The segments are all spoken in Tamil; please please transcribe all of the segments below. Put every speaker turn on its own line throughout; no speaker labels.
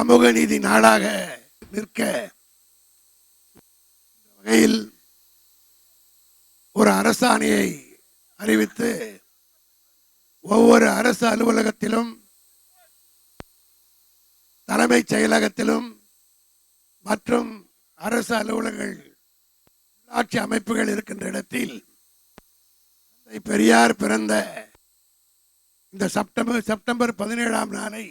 சமூக நீதி நாளாக நிற்க வகையில் ஒரு அரசாணையை அறிவித்து ஒவ்வொரு அரசு அலுவலகத்திலும் தலைமைச் செயலகத்திலும் மற்றும் அரசு அலுவலகங்கள் உள்ளாட்சி அமைப்புகள் இருக்கின்ற இடத்தில் பெரியார் பிறந்த இந்த செப்டம்பர் 17ஆம் நாளை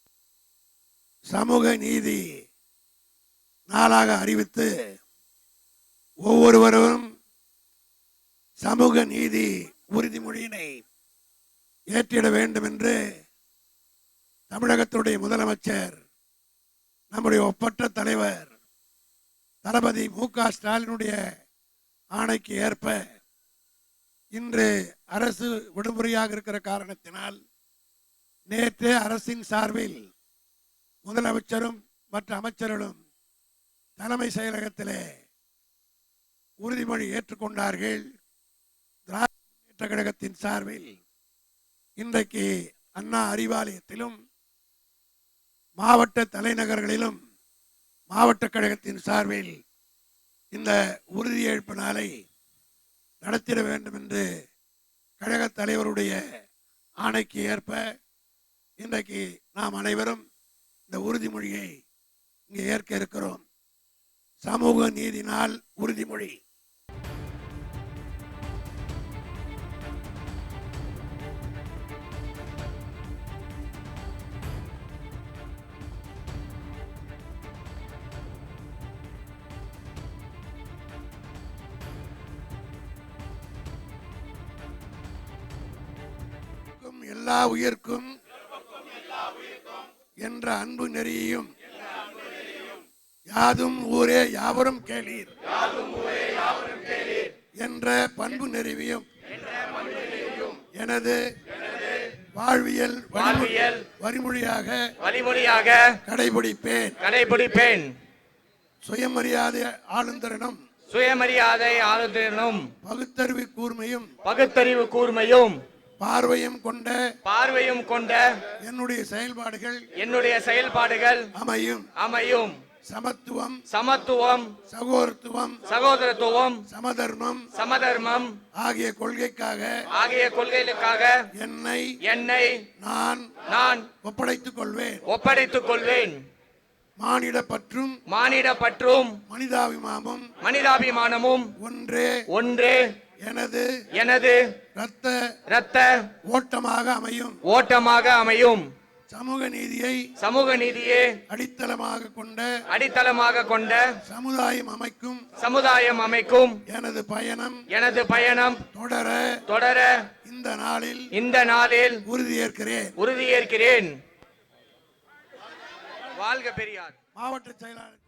சமூக நீதி நாளாக அறிவித்து ஒவ்வொருவரும் சமூக நீதி உறுதிமொழியினை ஏற்றிட வேண்டும் என்று தமிழகத்துடைய முதலமைச்சர் நம்முடைய ஒப்பற்ற தலைவர் தளபதி மு.க. ஸ்டாலினுடைய ஆணைக்கு ஏற்ப இன்று அரசு விடுமுறையாக இருக்கிற காரணத்தினால் நேற்று அரசின் சார்பில் முதலமைச்சரும் மற்ற அமைச்சர்களும் தலைமை செயலகத்திலே உறுதிமொழி ஏற்றுக்கொண்டார்கள். திராவிட முன்னேற்ற கழகத்தின் சார்பில் இன்றைக்கு அண்ணா அறிவாலயத்திலும் மாவட்ட தலைநகர்களிலும் மாவட்ட கழகத்தின் சார்பில் இந்த உறுதியேற்பு நாளை நடத்திட வேண்டும் என்று கழக தலைவருடைய ஆணைக்கு ஏற்ப இன்றைக்கு நாம் அனைவரும் இந்த உறுதிமொழியை இங்கே ஏற்க இருக்கிறோம். சமூக நீதி நாள் உறுதிமொழி. எல்லா உயிர்க்கும் என்ற அன்பு நெறியையும் யாதும் ஊரே யாவரும் கேளீர் என்ற பண்பு நெறிவையும் எனது வாழ்வியல் வழிமொழியாக கடைபிடிப்பேன். சுயமரியாதை ஆளுந்தரனும் பகுத்தறிவு கூர்மையும் பார்வையும் கொண்ட என்னுடைய செயல்பாடுகள் அமையும். சமத்துவம் சகோதரத்துவம் சமதர்மம் ஆகிய கொள்கைகளுக்காக என்னை நான் ஒப்படைத்துக் கொள்வேன். மானிட பற்றும் மனிதாபிமானமும் ஒன்றே எனது இரத்த ஓட்டமாக அமையும். சமூக நீதியை அடித்தளமாக கொண்ட சமுதாயம் அமைக்கும் எனது பயணம் தொடர இந்த நாளில் உறுதியேற்கிறேன். வாழ்க பெரியார். மாவட்ட செயலாளர்